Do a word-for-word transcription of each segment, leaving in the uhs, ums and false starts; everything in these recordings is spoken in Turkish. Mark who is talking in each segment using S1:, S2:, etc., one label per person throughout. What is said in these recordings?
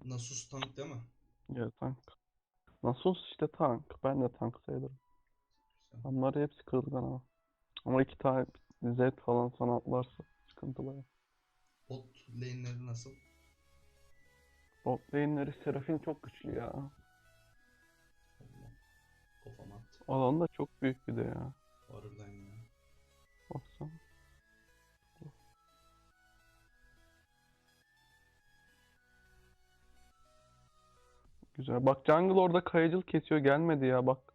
S1: Nasus tank değil mi?
S2: Ya tank. Nasus işte tank. Ben de tank sayılırım.
S1: Güzel.
S2: Onları hepsi kırılgan ama. Ama iki tane Z falan sana atlarsa sıkıntı baya.
S1: Bot lane'leri nasıl?
S2: Bot lane'leri Seraphine çok güçlü ya.
S1: Allah. Kafama attı.
S2: Alan da çok büyük bir de ya.
S1: Harbiden ya.
S2: Baksana. Güzel. Bak jungle orada kayıcıl kesiyor. Gelmedi ya bak.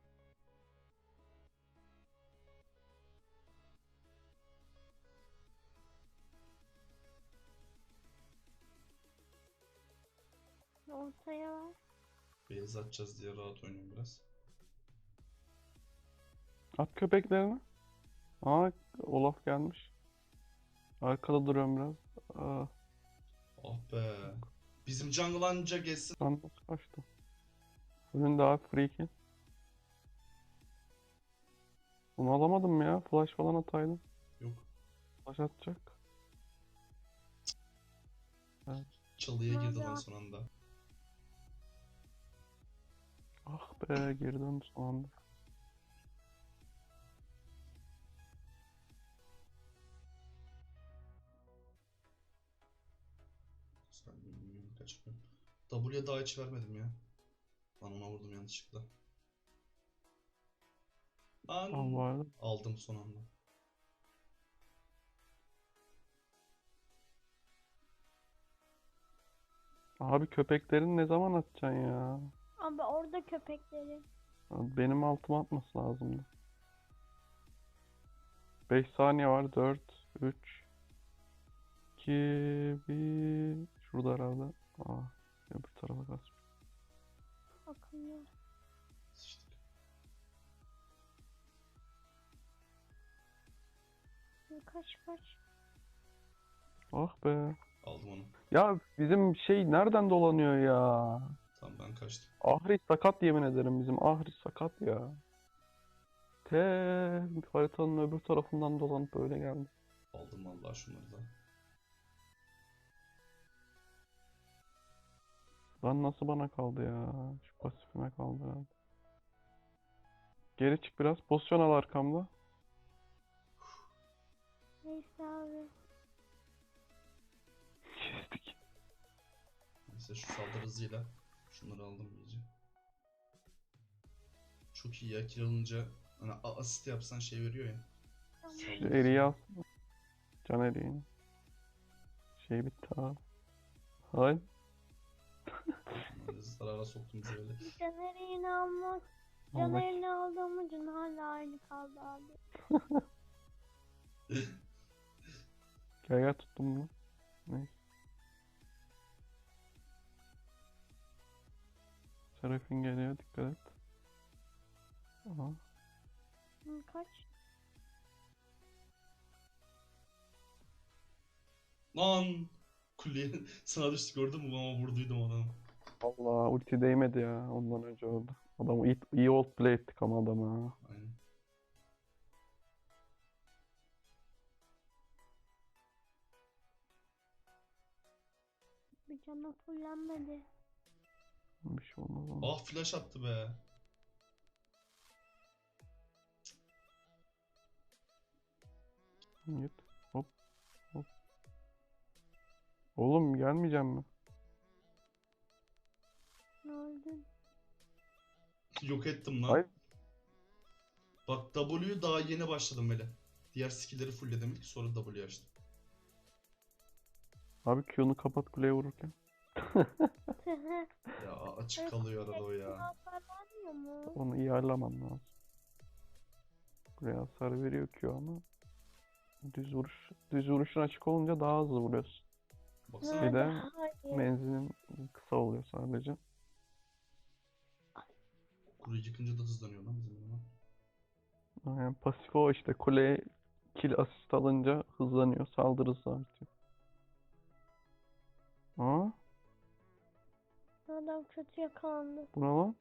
S3: Ortaya var.
S1: Beyaz atacağız diye rahat oynuyorum biraz.
S2: At köpeklerini. Aa, Olaf gelmiş. Arkada duruyorum biraz. Aa,
S1: Ah be. Bizim jungle anca geçsin.
S2: ben nasıl kaçtım? Önünde abi free kill. Bunu alamadım ya. Flash falan ataydım.
S1: Yok.
S2: Flash atacak. Evet.
S1: Çalıya girdi
S3: Nerede
S1: lan
S3: at?
S1: son anda.
S2: Ah be, geri döndü son anda.
S1: Sen bilmiyorum kaçmıyorum. W'ye daha hiç vermedim ya. Lan ona vurdum yanlışlıkla.
S2: Al
S1: An
S2: vardı.
S1: aldım son anda.
S2: Abi köpeklerini ne zaman atacaksın ya?
S3: Abi orada köpekleri.
S2: Abi benim altıma atması lazımdı. beş saniye var. dört, üç, iki, bir. Şurada herhalde. Aa, öbür tarafa kaçmış.
S3: Akıllı.
S1: Sıçtık.
S3: Kaç kaç.
S2: Ah be.
S1: Aldım onu.
S2: Ya bizim şey nereden dolanıyor ya?
S1: Tamam ben kaçtım.
S2: Ahri sakat, yemin ederim bizim Ahri sakat ya. Te haritanın öbür tarafından dolanıp böyle geldi.
S1: Aldım vallahi şunları da.
S2: Lan nasıl bana kaldı ya? Şu pasifime kaldı herhalde. Geri çık biraz. Pozisyon al arkamda.
S3: Neyse abi.
S2: Kestik.
S1: Neyse şu saldırı hızıyla şunları aldım iyice. Çok iyi ya kill alınca hani a- asist yapsan şey veriyor ya.
S3: Tamam.
S2: Şu
S1: Saldırı
S2: eriği
S1: hızı.
S2: al. Can eriğini. Şey bitti abi. Hay.
S1: Böyle zarara soktum bizi böyle.
S3: Caner'ini almak.
S2: Al bak.
S3: Caner'ini aldığım ucun hala aynı kaldı abi.
S2: Gel gel, tuttum bunu. Neyse. Serafin geliyor, dikkat et. Aha.
S3: Hı, kaç.
S1: Lan! Kuleye sana düştü gördün mü ama vurduydum adamı.
S2: Allah, ulti değmedi ya, ondan önce oldu. Adamı iyi, iyi old play ettik ama adamı ha.
S1: Aynen.
S3: Bir canı fullenmedi.
S2: Bir şey olmaz ama.
S1: Ah flash attı be.
S2: Git. Hop hop. Oğlum gelmeyeceğim mi?
S3: Ne oldu?
S1: Yok ettim
S2: Hayır.
S1: lan. Bak W'yu daha yeni başladım böyle. Diğer skill'leri fullledim ilk sonra W açtım.
S2: Abi Q'nu kapat kuleye vururken.
S1: Ya açık kalıyor arada o ya.
S3: Hasar vermiyor mu?
S2: Onu iyi ayarlaman lazım. Kuleye hasar veriyor Q ama. Düz vuruş. Düz vuruşun açık olunca daha hızlı vuruyorsun.
S1: Baksana.
S2: Bir de
S3: Hayır.
S2: menzilin kısa oluyor sadece.
S1: Kuruyu yıkınca da hızlanıyor lan bizim eleman.
S2: Yani pasif o işte, kuleye kill asist alınca hızlanıyor. Saldırı hızı artıyor. Aa,
S3: Adam kötü yakalandı.
S2: bu ne lan?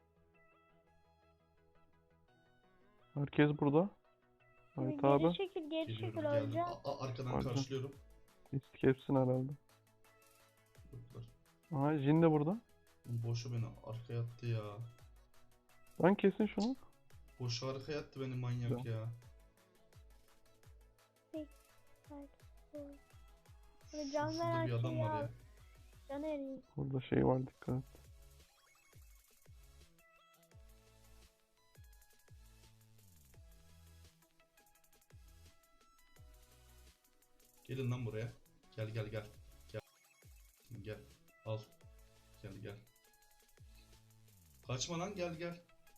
S2: Herkes burada. Evet
S3: Geri
S2: abi.
S3: çekil, geri
S1: Geliyorum
S3: çekil,
S1: geldim.
S3: öleceğim.
S1: A- a- arkadan
S2: Pardon.
S1: karşılıyorum.
S2: Risk hepsini herhalde.
S1: Yoklar.
S2: Aha, Jin de burada.
S1: Boşu beni arkaya attı ya.
S2: Lan kesin şunu.
S1: Boşu arkaya attı beni manyak
S2: Güzel.
S1: ya.
S3: Böyle can
S1: Şurada
S3: veren
S1: bir adam
S3: şeyi
S1: var
S3: al.
S1: ya.
S3: Can eriyor.
S2: Burada şey var, dikkat et.
S1: Gelin lan buraya. Gel gel gel. Gel. Gel. Al. Gel gel. Kaçma lan, gel gel.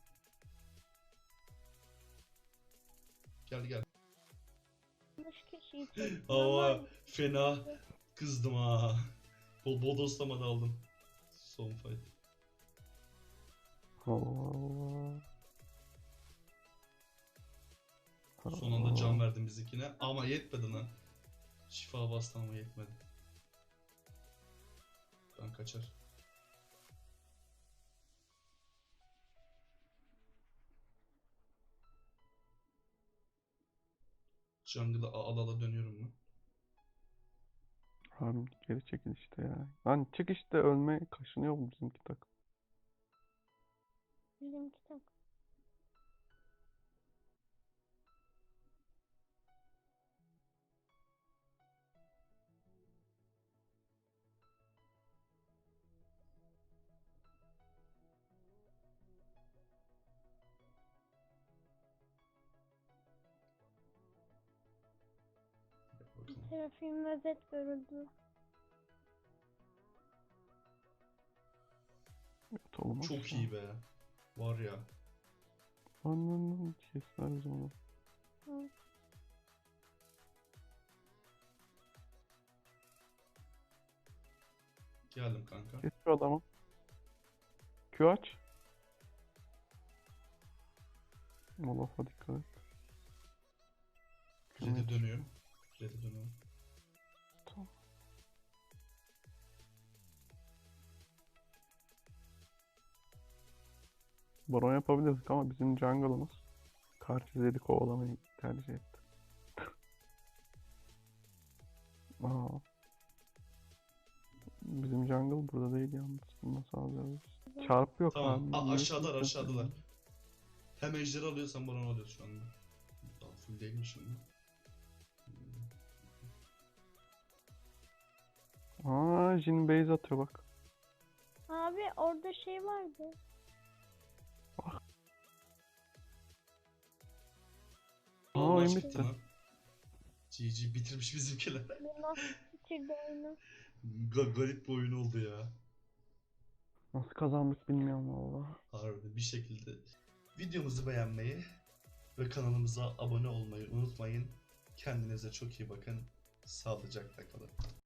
S1: Gel gel.
S3: Yanlış kişiyi çektim
S1: Hava
S3: ama
S1: fena kızdım ha. Bol bodoslama da aldım. Son fight.
S2: Allah Allah.
S1: Son anda can verdim bizikine ama yetmedi lan. Şifa bastı ama yetmedi. Ben kaçar. Jungle'a ala ala dönüyorum ben.
S2: Abi geri çekil işte ya. Lan çık işte, ölme kaşınıyor mu bizimki takım?
S3: bizimki tak.
S1: Bakalım.
S3: Serafim ve Zed görüldü.
S2: Evet oğlum.
S1: Çok iyi be. Var ya.
S2: Lan lan lan kesler biz onu.
S3: Hı.
S1: Geldim kanka.
S2: Kes şu adamı. Q aç. Molot'a dikkat et. Q
S1: Red'e
S2: aç.
S1: dönüyorum. Red'e dönüyorum.
S2: Tamam. Baron yapabilirdik ama bizim jungle'ımız karşı Zed'i kovalamayı tercih etti. Aa. Bizim jungle burada değil yalnız. Bunu nasıl alacağız? Çarpı yok
S1: Tamam.
S2: abi.
S1: A-
S2: Niye
S1: aşağıdalar
S2: kimse
S1: aşağıdalar.
S2: söylemiyor?
S1: Hem ejderi alıyorsan baron alıyoruz şu anda. Daha full değilmiş şimdi.
S2: Aa, Jhin base atıyor bak.
S3: Abi orada şey vardı.
S2: Aa,
S1: Allah
S2: oyun
S1: çıktı
S2: bitti.
S1: lan. G G bitirmiş bizimkiler.
S3: Bu nasıl bitirdi oyunu?
S1: Ga- garip bir oyun oldu ya.
S2: Nasıl kazandık bilmiyorum valla.
S1: Harbiden bir şekilde. Videomuzu beğenmeyi ve kanalımıza abone olmayı unutmayın. Kendinize çok iyi bakın. Sağlıcakla kalın.